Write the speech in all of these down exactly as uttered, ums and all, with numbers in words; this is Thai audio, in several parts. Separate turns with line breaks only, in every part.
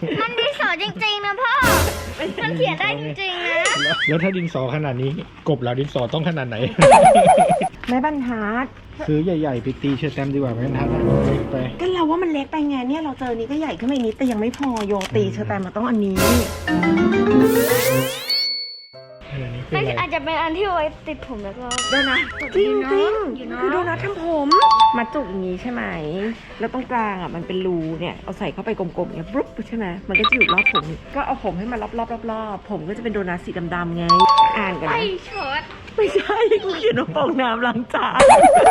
มันดินสอจริงๆนะพ่อมันเขียนได้จริงๆนะ
แล้วถ้าดินสอขนาดนี้กบแล้วดินสอต้องขนาดไหน
แม่บรรทัด
ซื้อใหญ่ๆไปตีเชอร์แตมดีกว่าแม่บรรทัดเล็กไป
ก็เราว่ามันเล็กไปไงเนี่ยเราเจอนี้ก็ใหญ่ขึ้นมาอีกนิดแต่ยังไม่พอโยตีเชอร์แตมมาต้องอันนี้
ไม่อาจจะเป็นอันที่ไว้ติดผมแล้วก็โดนัท
จริงจริงคือโดนัททำผมมาจุกอย่างนี้ใช่ไหมแล้วตรงกลางอ่ะมันเป็นรูเนี่ยเอาใส่เข้าไปกลมๆเนี่ยปุ๊บใช่ไหมมันก็จะอยู่รอบผมก็เอาผมให้มันรอบๆรอบๆผมก็จะเป็นโดนัทสีดำๆไงอ่านกันนะ
ไอ้ช็อต
ไม่ใช่กูเขียนว่าฟองน้ำล้างจาน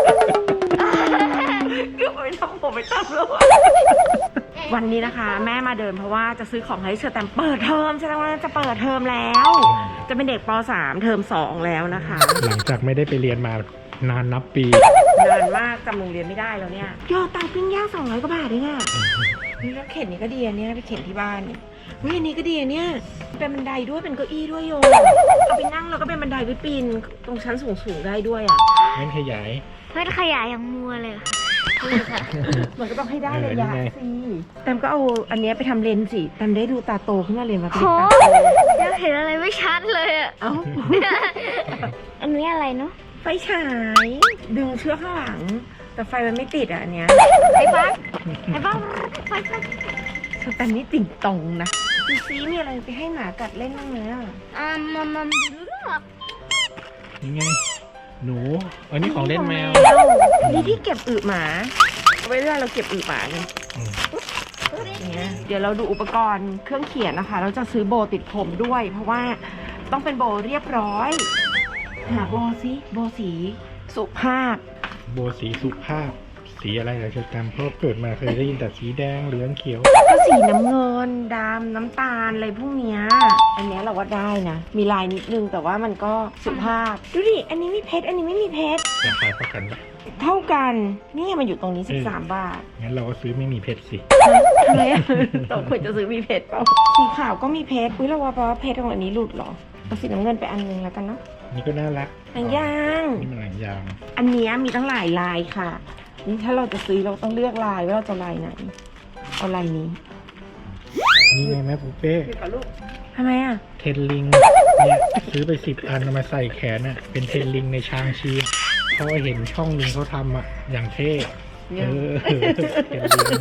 ก็ไปทำผมไปทำแล้ววันนี้นะคะแม่มาเดินเพราะว่าจะซื้อของให้เชอร์แตมเปิดเทอมใช่ไหมว่าจะเปิดเทอมแล้วจะเป็นเด็กป .สาม เทอมสองแล้วนะคะ
หลังจากไม่ได้ไปเรียนมานานนับปี
นานมากจำโรงเรียนไม่ได้แล้วเนี่ยยอดตังค์ปิ้งย่างสองร้อยกว่าบาทเองอ่ะนี่แล้วเข็นนี่ก็ดีอันนี้ไปเข็นที่บ้านเฮ้ยอันนี้ก็ดีอันเนี้ยเป็นบันไดด้วยเป็นเก้าอี้ด้วยโยเอาไปนั่งแล้วก็เป็นบันไดไปปีนตรงชั้นสูงๆได้ด้วยอ่ะ
งั้นขยาย
เพื่อนขยายอย่างมัวเลยค่ะ
มันก็ต้องให้ได้ระยะสิแตมก็เอาอันนี้ไปทำเลนส์สิแตมได้ดูตาโตขึ้นมาเลยมาเป็น
โห
ตาโต
ยังเห็นอะไรไม่ชัดเลยอ่ะ
เอ้า
อันนี้อะไรเนาะ
ไฟฉายดึงเชือกข้างหลังแต่ไฟมันไม่ติดอ่ะอันเนี้ย
ไอ้บ้าไอ้บ้าไฟไฟ
แตมนี่ติ่งตรงนะดูซิมีอะไรไปให้หมากัดเล่นบ้างไหมอ่ะ
อ่ามัมมัมดูหรอก
ยังไงหนูอันนี้ของเล่นแมว
นี่ที่เก็บอึหมาเอาไว้เวลาเราเก็บอึหมาไงอย่างเงี้ยเดี๋ยวเราดูอุปกรณ์เครื่องเขียนนะคะ เราจะซื้อโบติดผมด้วย เพราะว่าต้องเป็นโบเรียบร้อยหาโบสิโบสีสุภาพ
โบสีสุภาพสีอะไรเหรอเชอร์แตมเพราะเกิดมาเคยได้ยินแต่สีแดงเหลืองเขียว
ก็สีน้ำเงินดำน้ำตาลอะไรพวกเนี้ยอันเนี้ยเราว่าได้นะมีลายนิดนึงแต่ว่ามันก็สุภาพดูดิอันนี้มีเพชรอันนี้ไม่มีเพชร
ราคาเท่ากันปะ
เท่ากันนี่มันอยู่ตรงนี้สิบสามบาท
งั้นเราก็ซื้อไม่มีเพชรสิ
ทำไมอะเราควรจะซื้อมีเพชรเปล่าสีขาวก็มีเพชรอุ้ยเราว่าเพราะว่าเพชรของอันนี้หลุดเหรอเอาสีน้ำเงินไปอันนึงแล้วกันเนาะ
นี่ก็น่ารัก
หนังยาง
นี่มันหนังยาง
อันเนี้ยมีตั้งหลายลายค่ะนี่ถ้าเราจะซื้อเราต้องเลือกลายว่าเราจะลายไหนเอาลายนี้
นี่ไงแม่ปูเป้
ทำไมอ่ะ
เทนลิงเนี่ยซื้อไปสิบอันเอามาใส่แขนน่ะเป็นเทนลิงในชางชีเพราะว่าเห็นช่องนึงเขาทำอ่ะอย่างเท่เออเทนลิง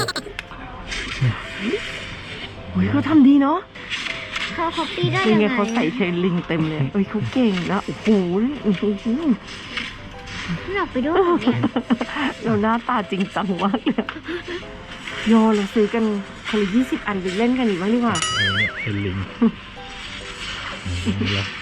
โอ้ยเขาทำดีเนาะ
เขาคอปปี้ได้
ยั
ยัง ง
ไง
ไง
เขาใส่เทรนลิงเต็มเลยเอ้ยเขาเก่งนะโอ้โหอื้อหือ
อยากไปด้วยแบบนี้
เราหน้าตาจริงจังมากเลยโยเราซื้อกันคนละยี่สิบอันไปเล่นกันอีกบ้างดีกว่า
เออเนี่ยเทนลิงนี่เหรอ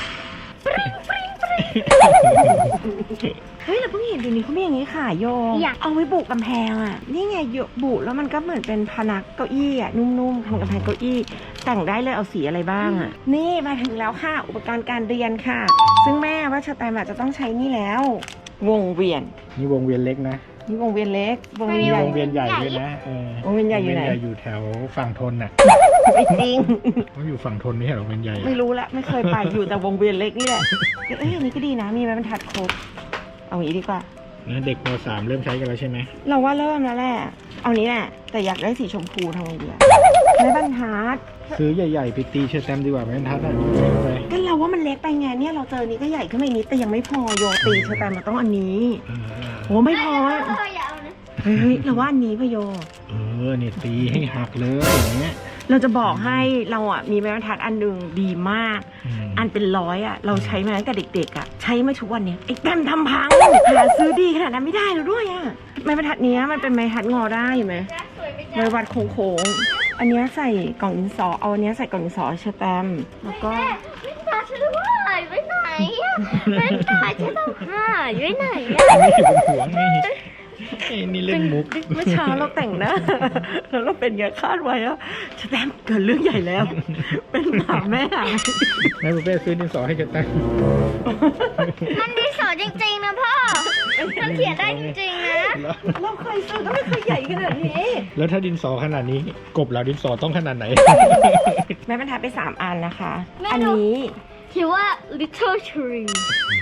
เฮ้ยเราเพิ่งเห็นเดี๋ยวนี้เขาไม่อย่างนี้ค่ะโยเอาไว้บุกกำแพงอ่ะนี่ไงโยบุแล้วมันก็เหมือนเป็นพนักเก้าอี้อ่ะนุ่มๆทำกำแพงเก้าอี้แต่งได้เลยเอาสีอะไรบ้างอ่ะนี่มาถึงแล้วค่ะอุปกรณ์การเรียนค่ะ ซึ่งแม่ว่าเชอร์แตมจะต้องใช้นี่แล้ว วงเวียน
นี่วงเวียนเล็กนะ
นี่วงเวียนเล็กวง
มี
เวียนใหญ่
วงเวียนใหญ่ด้วยนะเออ
วงเวียนใหญ่อยู่ไหน
วงเวียนใหญ่อยู่แถวฝั่งทนน่ะ
ไม่จริง
เขาอยู่ฝั่งทนไม่ใช่เหรอวงเวียนใหญ่อะ
ไม่รู้ละไม่เคยไปอยู่แต่วงเวียนเล็กนี่แหละเอ้ยอันนี้ก็ดีนะมีไม้บรรทัดครบเอาอย่างนี้ดีกว่า
แล้วเด็กม .สาม เริ่มใช้กันแล้วใช่ไหม
เราว่าเริ่มแล้วแหละเอานี้แหละแต่อยากได้สีชมพูทำไงดีอะไม้บรรทัด
ซื้อใหญ่ๆไปตีเชอร์แตมดีกว่าแม่บรรทัดอ่ะเล็กไป
ก็เราว่ามันเล็กไปไงเนี่ยเราเจอนี้ก็ใหญ่ขึ้นมาอีกนิดแต่ยังไม่พอโยตีเชอร์แตมมาต้องอันนี้
เออ
โอ้ไม่พอ
พ่ออย่าเอานะ
เฮ้ยเราว่าอันนี้พะโย
เออเนี่ยตีให้หักเลยอย่างเงี้ย
เราจะบอกให้เราอ่ะมีไม้บรรทัดอันหนึ่งดีมาก
อืม
อันเป็นร้อยอ่ะเราใช้มาตั้งแต่เด็กๆอ่ะใช้มาทุกวันเนี้ยไอ้แต้มทำพังหาซื้อดีขนาดนั้นไม่ได้แล้วด้วยอ่ะไม้บรรทัดเนี้ยมันเป็นไม้บรรทัดงอได้เห็นไหม
สวยไปจ้ะ
ไม้วัดโค้งๆอันเนี้ยใส่กล่องดินสอเอาอันเนี้ยใส่กล่องดินสอเชอร์แตมแล้วก็
ไม่ตาฉันว่าหายไปไหนอ่ะไม่ตาฉันต้องหายไปไหนอ่ะ
นี่บนหัวนี่ไอ้นี่เล่นมุก
เมื่อเช้าเราแต่งหน้าแล้วเราเป็นไงคาดไว้อะเชอร์แตมเกิดเรื่องใหญ่แล้ว เป็นหมาแม่หาย
แม่บุฟเฟ่ซื้อดินสอให้เชอร์แตม
มันดินสอจริงๆนะพ่อมันเขียนได้จริงๆนะ
เราเคยซื้อก็ไม่เคยใหญ่ขนาดนี้
แล้วถ้าดินสอขนาดนี้กบแล้วดินสอต้องขนาดไหน
แม่บรรทัดไปสามอันนะคะ อันนี้
ถือว่า little tree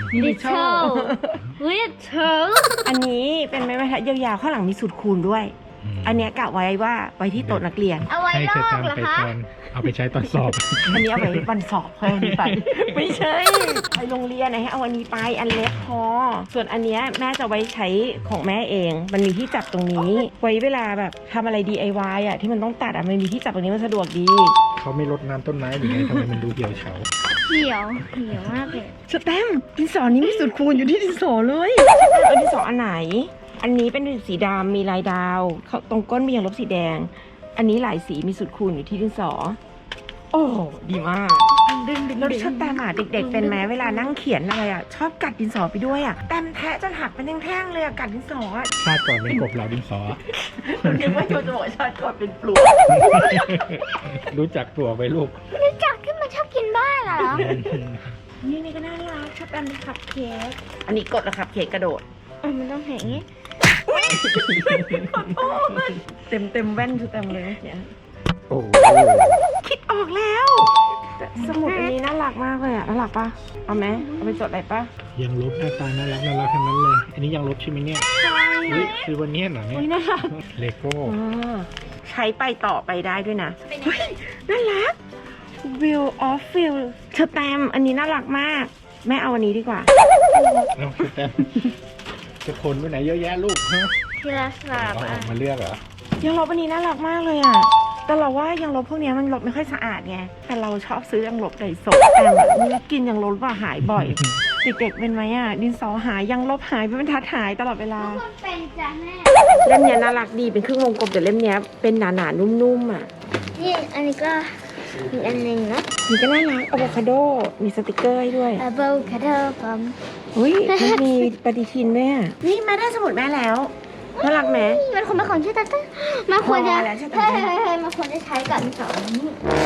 little little
อันนี้เป็นไม้บรรทัดยาวๆข้างหลังมีสูตรคูณด้วยอันเนี้ยกะไว้ว่าไว้ที่โต๊ะนักเรียน
เอาไว้
ให้
ล
เช
อ
อก แตม
เหรอ
ไป
คะ
ตอนเอาไปใช้ตอนสอบ
อันนี้เอาไว้วันสอบค่อยเอาอันนี้ไป ไม่ใช่ไปโรงเรียนนะให้เอาอันนี้ไปอันเล็กพอส่วนอันเนี้ยแม่จะไว้ใช้ของแม่เอง มันมีที่จับตรงนี้ ไว้เวลาแบบทำอะไร ดี ไอ วาย อ่ะที่มันต้องตัดอ่ะมันมีที่จับตรงนี้มันสะดวกดี
เขาไม่รดน้ำต้นไม้หรือไงทำไมมันดูเหี่ยวเฉา
เขียวเขียวมากเลย
สแตมป์ดินสอนี้มีสูตรคูณอยู่ที่ดินสอเลยเอาดินสออันไหน อันนี้เป็นสีดำมีลายดาวเขาตรงก้นมียางลบสีแดง อันนี้หลายสีมีสูตรคูณอยู่ที่ดินสอ โอ้ดีมาก
ดึงดึง
แล้ว
ดึง
ชอบแตมอ่ะเด็กๆเป็นไหมเวลานั่งเขียนอะไรอ่ะชอบกัดดินสอไปด้วยอ่ะแตมแทะจนหักเป็นแท่งๆเลยอ่ะกัดดินสออ่ะ
ชาติก่อนเป็นกบเหล่าดินสอ
นึกว่าโยจะบอกชาติก่อนเป็นปลวก
รู้จักตัวไปลูก
รู้จักที่มันชอบกินบ้าเหรอ
นี่นี่ก็น่ารักชอบแตมเป็นคัพเค้กอันนี้กดแล้วคัพเค้กกระโดด
เออมันต้องเห็นอย่างงี้
เต็มเต็มแว่นคือเต็มเลยเนี่ย
โอ้โห
คิดออกแล้วแต่สมุดอันนี้น่ารักมากเลยอ่ะน่ารักปะเอาไหมเอาไปจดอะไรปะ
ยังลบหน้าตาน่ารักน่ารักทั้งนั้นเลย อันนี้ยังลบใช่ไหมเนี่ยเฮ้ยคือวันเนี้ยเหรอเนี่ย
อุ้ยน่ารัก
เลโก้
อ่าใช้ไปต่อไปได้ด้วยนะเฮ้ยน่ารัก Wheel of Feel เชอร์แตมอันนี้น่ารักมาก แม่เอาอันนี้ดีกว่า
แล้วคือแต้มจะคนไปไหนเยอะแยะลูกฮะ
ทีละสลับ
เอาอ
อ่ะ
อกมาเลือกเหรอ
ยังลบอันนี้น่ารักมากเลยอ่ะ แต่เราว่ายังลบพวกเนี้ยมันลบไม่ค่อยสะอาดไง แต่เราชอบซื้อยังลบไดโซะแต่แบบนี่กินยังลบว่าหายบ่อย เด็กๆเป็นไหมอ่ะ ดินสอหายยังลบหายเป็นบรรทัดหายตลอดเวลา
ทุกคนเป็นจ้ะแม่
เล่มเนี้ยน่ารักดีเป็นครึ่งวงกลมแต่เล่มเนี้ยเป็นหนาๆนุ่มๆอ่ะ
นี่อันนี้ก็อีกอันหนึ่งนะ
นี่ก็น่ารักอะโวคาโด มีสติกเกอร์ให้ด้วย
อะโวคาโดปั๊ม
อุ้ยมันมีปฏิทินด้วยอ่ะ นี่แม่ได้สมุดแม่แล้ว น่ารักไหม
มันควรเป็นของชื่อตาต้ามันควรจะ
พอแล้วใช่ไหม
เฮ้ยเฮ้ยเฮ้ยมันควรจะใช้กับสองนี้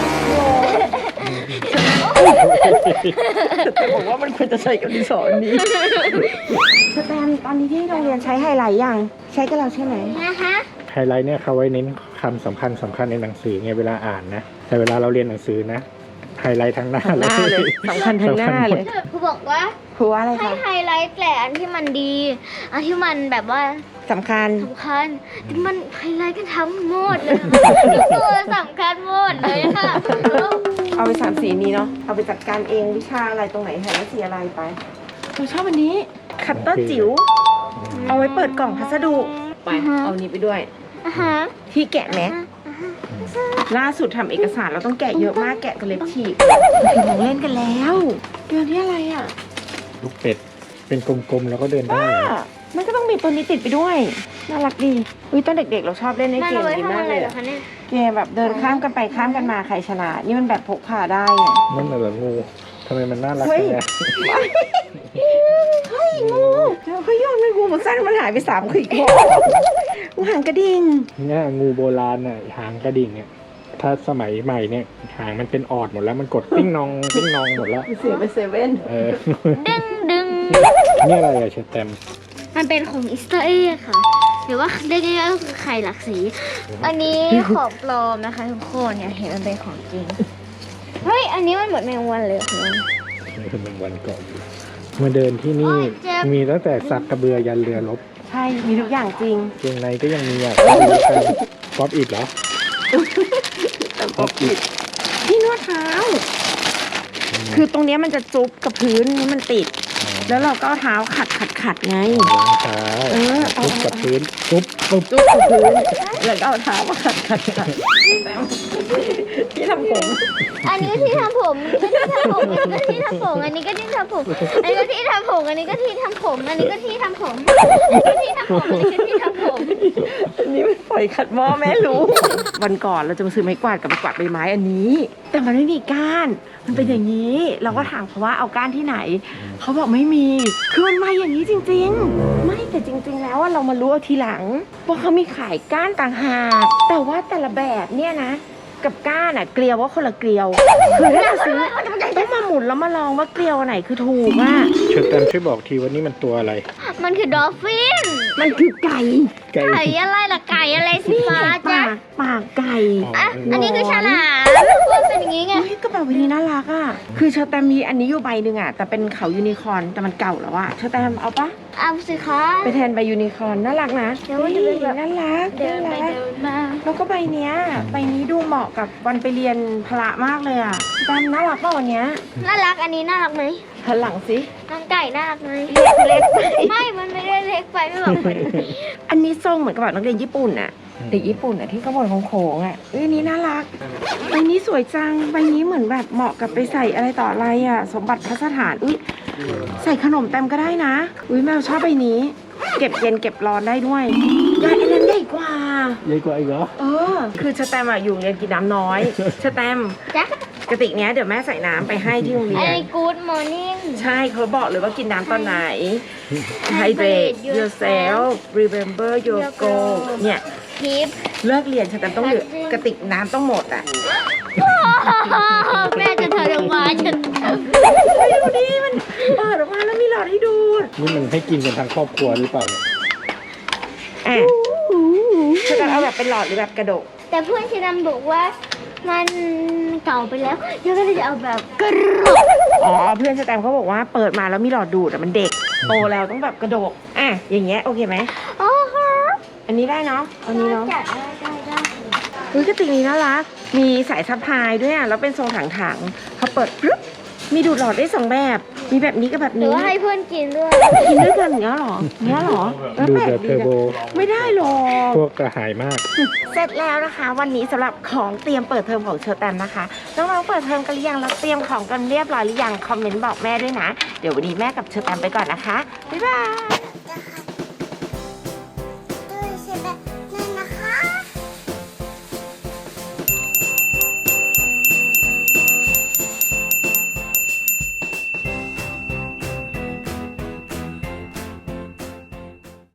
แต่บอกว่ามันควรจะใช้กับดินสออันนี้สแตมป์ตอนนี้ที่โรงเรียนใช้ไฮไลท์ยัง ใช้กับเราใช่ไหม
นะคะ
ไฮไลท์เนี่ยเขาไว้เน้นคำสำคัญสำคัญในหนังสือไงเวลาอ่านนะ แต่เวลาเราเรียนหนังสือนะ ไฮไลท์ทั้งหน้า
ทั้งหน้าเลยสำคัญทั้งหน้าเลย
ครูบอกว่า
ครูว่าอะไร
ให้
คะ
ไฮไลท์แต่อันที่มันดี อันที่มันแบบว่า
สำคัญ
สำคัญที่มันไฮไลท์กันทั้งหมดเลยทุกตัวสำคัญหมดเลยค่ะ
เอาไปสามสีนี้เนาะ เอาไปจัดการเองวิชาอะไรตรงไหนไฮไลท์สีอะไรไปเราชอบอันนี้ คัตเตอร์จิ๋ว เอาไว้เปิดกล่องพัสดุ ไป เอานี้ไปด้วย
อ่ะฮะ
ที่แกะแม็ก ล่าสุดทำเอกสารเราต้องแกะเยอะมากแกะจนเล็บฉีกถึงของเล่นกันแล้วเดือนที่อะไรอ่ะ
ลูกเป็ด เป็นกลมๆแล้วก็เดินได้
ว้า
เหรอ
มันก็ต้องมีตัวนี้ติดไปด้วย น่ารักดีอุ้ยตอนเด็กๆเราชอบเล่นใน
มัน
เกม
เอาไว้
นี้
ทำ
มา
อะ
ก
ไร
เลย
เหรอ
อะ
คะเนี่ย
เกมแบบเดินข้ามกันไปข้ามกันมาใครชนะ นี่มันแบบพกพาได้ไง
นั่นน่ะเหรองูทำไมมันน่ารัก
เฮ้ย
จังเลย
เฮ้ยงูเดี๋ยวเขาโยนไปงูมันสั้นมันหายไปสามขีดคองูหางกระดิ่ง
เนี่ยงูโบราณน่ะหางกระดิ่งเนี่ย ถ้าสมัยใหม่เนี่ยหางมันเป็นออดหมดแล้วมันกดปิ้งนองปิ้งนองหมดแล้ว
เสียไปเซเว่น
เออ
ดึงดึง
นี่อะไรอะเชอร์แตม
มันเป็นของอิสเตอร์เอ็กค่ะ หรือว่าเรียกง่ายๆก็คือไข่หลักสี อันนี้ของปลอมนะคะทุกคนอย่าเห็นมันเป็นของจริง เฮ้ย อันนี้มันเหมือนแมงวันเลยค่ะ
นี่คือเป็นวันก่อนมาเดินที่นี่
โอ้ยเจ็บ
มีตั้งแต่สักกระเบือยันเรือรบ
ใช่ มีทุกอย่างจริง
เกงในก็ยังมีอ่ะดูกันป๊อปอิดเหรอ
แต่ก็ผิดที่นวดเท้า คือตรงเนี้ยมันจะจุ๊บกับพื้นนี่มันติด แล้วเราก็เอาเท้าขัดขัดขัดไง
ล้างเท้า
เออเอา
ทุบกับพื้นทุบปุ๊บ
จุ๊บกับพื้น แล้วก็เอาเท้ามาขัดขัดขัดที่ทำผม
อันนี้ก็ที่ทำผมอันนี้ก็ที่ทำผมอันนี้ก็ที่ทำผม อันนี้ก็ที่ทำผม อันนี้ก็ที่ทำผม อันนี้ก็ที่ทำผม อันนี้ก็ที่ทำผม อันนี้ก็ที่ทำผม
อันนี้มันปล่อยขัดหม้อแม่รู้ วันก่อนเราจะมาซื้อไม้กวาดกับไม้กวาดใบไม้อันนี้ แต่มันไม่มีก้าน มันเป็นอย่างนี้ เราก็ถามเขาว่าเอาก้านที่ไหน เขาบอกไม่มี คือมันมาอย่างนี้จริงๆ ไม่แต่จริง ๆ แล้วอะเรามารู้เอาทีหลังว่าเขามีขายก้านต่างหาก แต่ว่าแต่ละแบบเนี่ยนะ กับก้านอะเกลียวว่าคนละเกลียว คือถ้าจะซื้อต้องมาหมุนแล้วมาลองว่าเกลียวอันไหนคือถูกอะ
เชอร์แตมช่วยบอกทีว่านี่มันตัวอะไร
มันคือดอลฟิน
มันคือไก่
ไก่
ไก่อะไรล่ะไก่อะไรสีฟ้าจ๊ะ
ปากปากไก่
อ่ะ อันนี้คือฉลามมันเป็นอย่างนี้ไง
เฮ้ยกระเป๋าใบนี้น่ารักอ่ะคือเชอแตมมีอันนี้อยู่ใบหนึ่งอ่ะแต่เป็นเขายูนิคอร์นแต่มันเก่าแล้วอ่ะเชอแตมเอาปะ
เอาสิคะ
ไปแทนใบยูนิคอร์นน่ารักนะ
เดี๋ยวมันจะเป็นแบบ
น่ารัก
เดินไป
น่ารัก
เดินมา
แล้วก็ใบเนี้ยใบนี้ดูเหมาะกับวันไปเรียนพละมากเลยอ่ะแตมน่ารักป่ะวันเนี้ย
น่ารักอันนี้น่ารักไหม
หันหลังสิ
น้องไก่น่ารักไหม
เล็กไป
ไม่ มันไม่ได้เล็กไปไม่บอกคน
อันนี้ทรงเหมือนกับแบบนักเรียนญี่ปุ่นอ่ะเด็กญี่ปุ่นอ่ะที่เขาบอกโค้งๆอ่ะเอ้ยอันนี้น่ารักใบนี้สวยจังใบนี้เหมือนแบบเหมาะกับไปใส่อะไรต่ออะไรอ่ะสมบัติพัสถานอุ้ยใส่ขนมแต้มก็ได้นะอุ้ยแมวชอบใบนี้ เก็บเย็นเก็บร้อนได้ด้วยใหญ่อันนั้นใหญ่กว่า
ใหญ่กว่าอีกเหรอ
เออ คือชะแตมอะอยู่โรงเรียนกินน้ำน้อยชะแตม
จ๊ะ
กระติกเนี้ยเดี๋ยวแม่ใส่น้ำไปให้ที่โรงเรี
ไอ้
ยน
Good Morning
ใช่เขาบอกเลยว่ากินน้ำตอนไหน Hydrate yourself remember your goal เนี่ย
ทิป
เลิกเรียนชะแตมต้องเหลือกระติกน้ำต้องหมดอ่ะ
แม่จะเธอลงมาฉัน
ไปดูดิมันเปิดออกมาแล้วมีหลอดให้ดู
นี่มันให้กินกันทั้งครอบครัวหรือเปล่าเนี่ย
อ่ะชะแตมเอาแบบเป็นหลอดหรือแบบกระดก
แต่เพื่อนชิดำบอกว่ามันเก่าไปแล้วเดี๋ยวก็เลยจะเอาแบบกระโดด
อ๋อเพื่อนชะแตมเขาบอกว่าเปิดมาแล้วมีหลอดดูดอ่ะมันเด็กโตแล้วต้องแบบกระดกอ่ะอย่างเงี้ยโอเคไหม
โอ้โห
อันนี้ได้เนาะอันนี้เนาะ
จัดได้ได้ได้
อุ้ยกระติกนี้น่ารัก มีสายสะพายด้วยอ่ะ แล้วเป็นทรงถังๆพอเปิดปึ๊บ มีดูดหลอดได้สองแบบ มีแบบนี้กับแบบ
หรือ
นี้
ว่าให้เพื่อนกินด้วย
กินด้วยกันอย่างเงี้ยเหรออย่างเงี้ยเหรอเออ
ดู
แปล
แบ
ก
บเท
ดี
อร์โบ
นะไม่ได้หรอก
พวกกระหายมาก
เสร็จแล้วนะคะ วันนี้สำหรับของเตรียมเปิดเทอมของเชอแตมนะคะ น้องๆเปิดเทอมกันหรือยังแล้วเตรียมของกันเรียบร้อยหรือยัง คอมเมนต์บอกแม่ด้วยนะ เดี๋ยววันนี้แม่กับเชอแตมไปก่อนนะคะ บ๊ายบาย